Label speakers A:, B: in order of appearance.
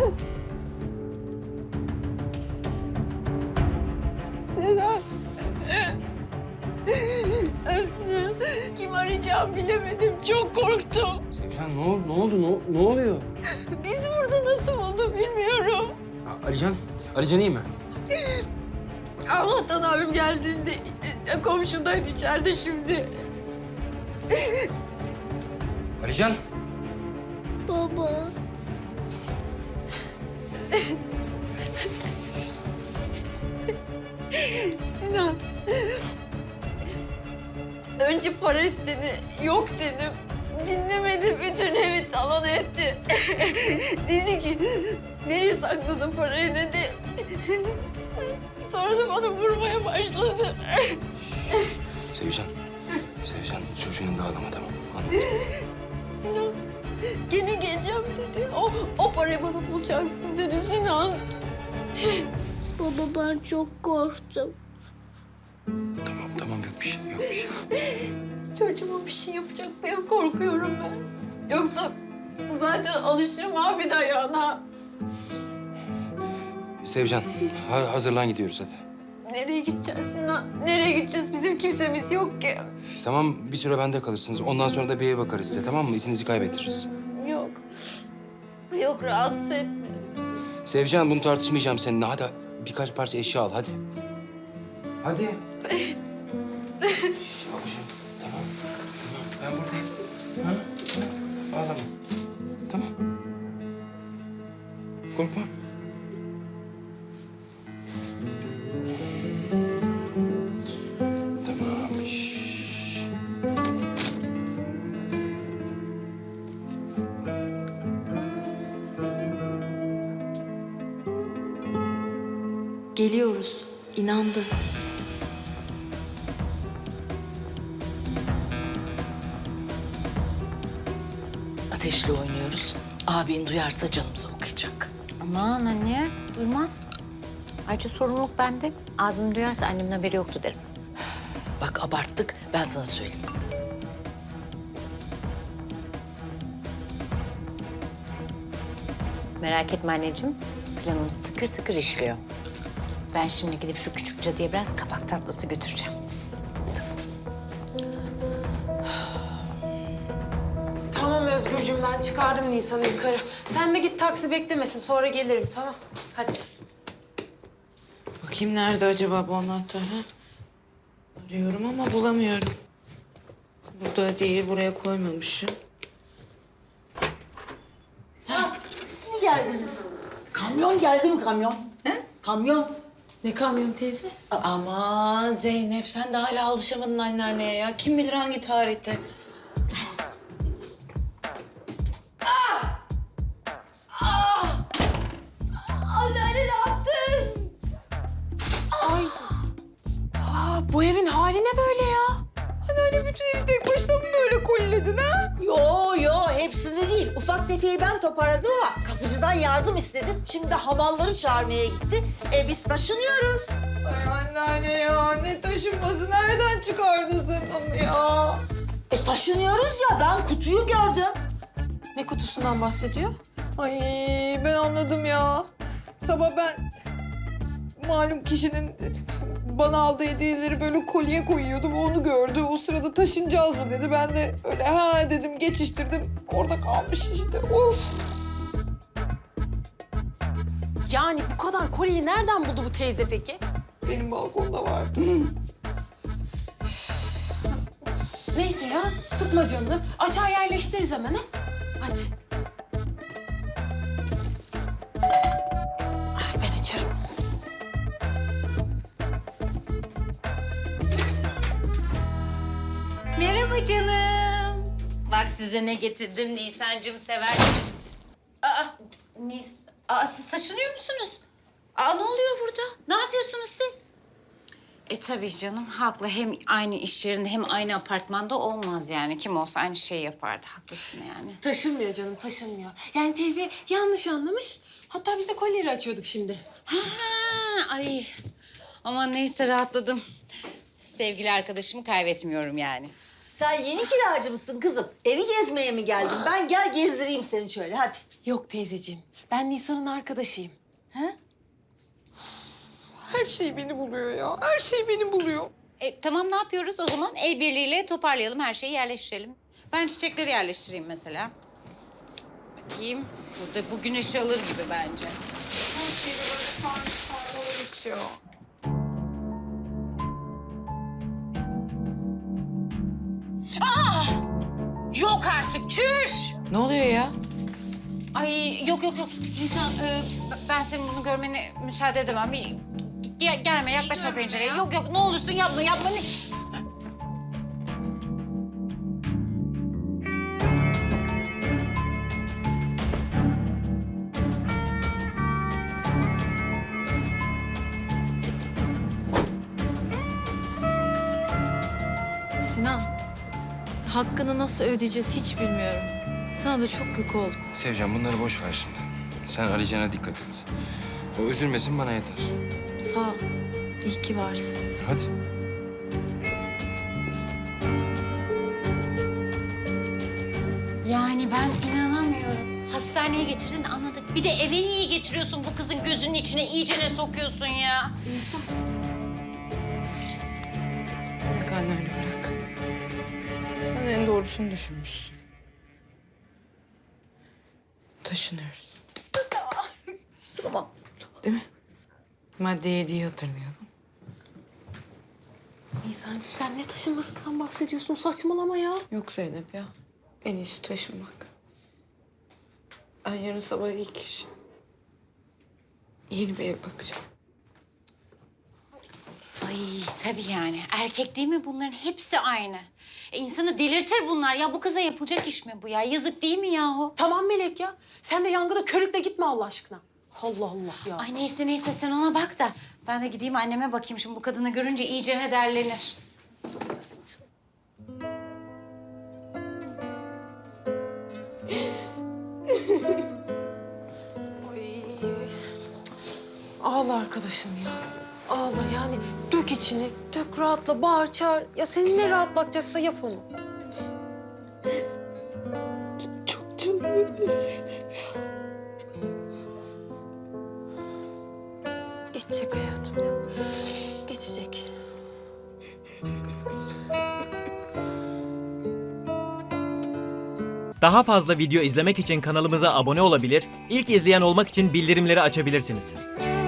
A: Sinan. Aslı, kim arayacağımı bilemedim. Çok korktum.
B: Sevcan ne oldu? Ne oluyor?
A: Bizi burada nasıl buldu bilmiyorum.
B: Alican iyi mi?
A: Allah'tan abim geldiğinde komşudaydı içeride şimdi.
B: Alican.
C: Baba.
A: Sinan. Önce para istedi, yok dedim. Dinlemedi, bütün evi talan etti. Dedi ki, nereye sakladın parayı dedi. Sonra da bana vurmaya başladı.
B: Sevcan çocuğun yanında ağlama tamam anlat.
A: Sinan, gene geleceğim dedi. O parayı bana bulacaksın dedi Sinan.
C: Baba ben çok korktum.
B: Tamam yok bir şey.
A: Çocuğuma bir şey yapacak diye korkuyorum ben. Yoksa zaten alışırım abi dayağına.
B: Sevcan hazırlan gidiyoruz hadi.
A: Nereye gideceğiz Sinan? Nereye gideceğiz? Bizim kimsemiz yok ki.
B: Tamam bir süre bende kalırsınız. Ondan sonra da bir eve bakarız size tamam mı? İzinizi kaybettiririz.
A: Yok. Yok, rahatsız etme.
B: Sevcan bunu tartışmayacağım seninle. Hadi birkaç parça eşya al hadi. Hadi. Şişt, babacığım tamam. Ben buradayım. Ha? Ağlama. Tamam. Korkma. Tamam. Şşş.
D: Geliyoruz. İnandı.
E: Ateşle oynuyoruz. Abin duyarsa canımızı okuyacak.
F: Aman anne, duymaz. Ayrıca sorumluluk bende. Abim duyarsa annemin haberi yoktu derim.
E: Bak abarttık, ben sana söyleyeyim.
F: Merak etme anneciğim, planımız tıkır tıkır işliyor. Ben şimdi gidip şu küçük cadıya biraz kabak tatlısı götüreceğim.
G: Tamam Özgürcüğüm, ben çıkardım Nisan'ı yukarı. Sen de git taksi beklemesin, sonra gelirim tamam. Hadi.
H: Bakayım nerede acaba bu anahtar ha? Arıyorum ama bulamıyorum. Burada değil, buraya koymamışım.
I: Siz mi geldiniz? Kamyon geldi mi kamyon? He? Kamyon.
G: Ne kamyon teyze?
H: Aman Zeynep sen de hala alışamadın anneanneye ya. Kim bilir hangi tarihte.
I: Anneanne ne yaptın?
G: Bu evin hali ne böyle ya?
H: Anneanne bütün evi tek başına mı böyle koliledin ha?
I: Yo hepsini değil. Ufak tefeyi ben toparladım ama kapıcıdan yardım istedim. Şimdi hamalları çağırmaya gitti. Biz taşınıyoruz.
H: Ay anneanne ya ne taşınması nereden çıkardın sen onu ya?
I: Taşınıyoruz ya, ben kutuyu gördüm.
G: Ne kutusundan bahsediyor?
H: Ay ben anladım ya. Sabah ben malum kişinin bana aldığı hediyeleri böyle kolye koyuyordum. Onu gördü. O sırada taşınacağız mı dedi. Ben de öyle ha dedim geçiştirdim. Orada kalmış işte. Of.
G: Yani bu kadar kolyeyi nereden buldu bu teyze peki?
H: Benim balkonda vardı.
G: Neyse ya, sıkma canını. Açar yerleştiririz hemen ha. Hadi. Ben açarım.
F: Merhaba canım. Bak size ne getirdim, Nisan'cığım sever. Siz taşınıyor musunuz? Ne oluyor burada? Ne yapıyorsunuz siz? Tabii canım, haklı. Hem aynı iş yerinde hem aynı apartmanda olmaz yani. Kim olsa aynı şeyi yapardı. Haklısın yani.
G: Taşınmıyor canım, taşınmıyor. Yani teyze yanlış anlamış. Hatta biz de kolyeleri açıyorduk şimdi.
F: Ay. Aman neyse rahatladım. Sevgili arkadaşımı kaybetmiyorum yani.
I: Sen yeni kiracı mısın kızım? Evi gezmeye mi geldin? Ben gel gezdireyim seni şöyle hadi.
G: Yok teyzeciğim. Ben Nisan'ın arkadaşıyım.
H: Her şey beni buluyor ya. Her şey beni buluyor.
F: Tamam ne yapıyoruz o zaman? El birliğiyle toparlayalım, her şeyi yerleştirelim. Ben çiçekleri yerleştireyim mesela. Bakayım. Burada bu güneş alır gibi bence.
H: Her şey böyle sarmış sarmalamış ya.
F: Yok artık, çüş!
E: Ne oluyor ya?
F: Ay yok. Nisan, ben senin bunu görmene müsaade edemem. Gelme, yaklaşma pencereye. Yok, ne olursun yapma.
A: Sinan, hakkını nasıl ödeyeceğiz hiç bilmiyorum. Sana da çok yük oldum.
B: Sevcan bunları boş ver şimdi. Sen Alican'a dikkat et. O üzülmesin bana yeter.
A: Sağ ol. İyi ki varsın.
B: Hadi.
F: Yani ben inanamıyorum. Hastaneye getirdin anladık. Bir de eve niye getiriyorsun bu kızın gözünün içine iyicene sokuyorsun ya?
G: Nisan.
D: Bırak anneanne bırak. Sen en doğrusunu düşünmüşsün. Taşınıyoruz.
I: Tamam.
D: Değil mi? Madde 7'yi hatırlayalım.
G: Nisan'cığım sen ne taşınmasından bahsediyorsun? Saçmalama ya.
D: Yok Zeynep ya. En iyisi taşınmak. Ben yarın sabah ilk iş yeni bir ev bakacağım.
F: Ay tabii yani. Erkek değil mi bunların? Hepsi aynı. İnsanı delirtir bunlar. Ya bu kıza yapılacak iş mi bu ya? Yazık değil mi yahu?
G: Tamam Melek ya. Sen de yangına körükle gitme Allah aşkına. Allah Allah ya.
F: Ay neyse sen ona bak da. Ben de gideyim anneme bakayım. Şimdi bu kadını görünce iyicene derlenir.
G: Ay. Ağla arkadaşım ya. Ağla yani dök içini. Dök rahatla, bağır çağır. Ya seni ne rahatlatacaksa yap onu.
H: Çok canım yanıyor Zeynep.
G: Geçecek hayatım ya. Geçecek.
J: Daha fazla video izlemek için kanalımıza abone olabilir, ilk izleyen olmak için bildirimleri açabilirsiniz.